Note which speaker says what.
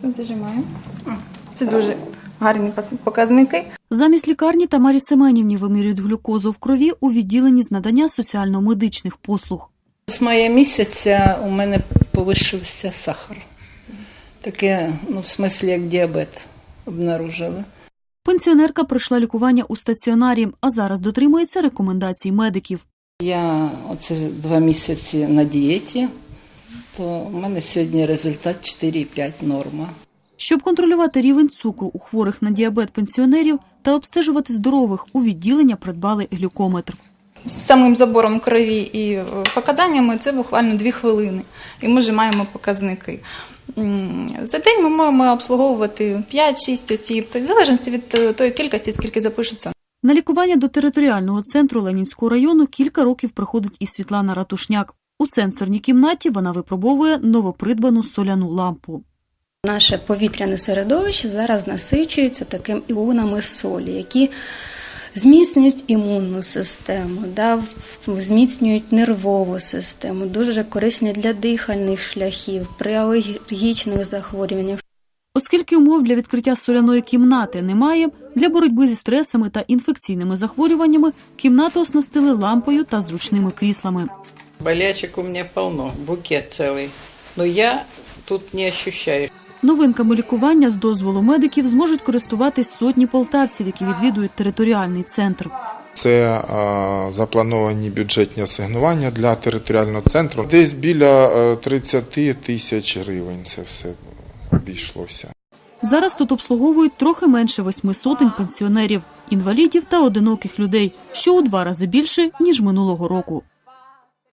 Speaker 1: Тут зажимаємо. Це дуже гарні показники.
Speaker 2: Замість лікарні Тамарі Семенівні вимірюють глюкозу в крові у відділенні з надання соціально-медичних послуг.
Speaker 3: З мая місяця у мене повищився сахар. Таке, в смислі, як діабет обнаружили.
Speaker 2: Пенсіонерка пройшла лікування у стаціонарі, а зараз дотримується рекомендацій медиків.
Speaker 3: Я оце 2 місяці на дієті, то у мене сьогодні результат 4,5 норма.
Speaker 2: Щоб контролювати рівень цукру у хворих на діабет пенсіонерів та обстежувати здорових, у відділення придбали глюкометр.
Speaker 1: З самим забором крові і показаннями це буквально 2 хвилини. І ми вже маємо показники. За день ми маємо обслуговувати 5-6 осіб, тобто в залежності від тої кількості, скільки запишеться.
Speaker 2: На лікування до територіального центру Ленінського району кілька років приходить і Світлана Ратушняк. У сенсорній кімнаті вона випробовує новопридбану соляну лампу.
Speaker 4: Наше повітряне середовище зараз насичується такими іонами солі, які зміцнюють імунну систему, зміцнюють нервову систему, дуже корисні для дихальних шляхів, при алергічних захворюваннях.
Speaker 2: Оскільки умов для відкриття соляної кімнати немає, для боротьби зі стресами та інфекційними захворюваннями кімнату оснастили лампою та зручними кріслами.
Speaker 5: Болячек у меня полно, букет целый, но я тут не ощущаю.
Speaker 2: Новинками лікування з дозволу медиків зможуть користуватись сотні полтавців, які відвідують територіальний центр.
Speaker 6: Це заплановані бюджетні асигнування для територіального центру. Десь біля 30 тисяч гривень це все обійшлося.
Speaker 2: Зараз тут обслуговують трохи менше 800 пенсіонерів, інвалідів та одиноких людей, що у 2 рази більше, ніж минулого року.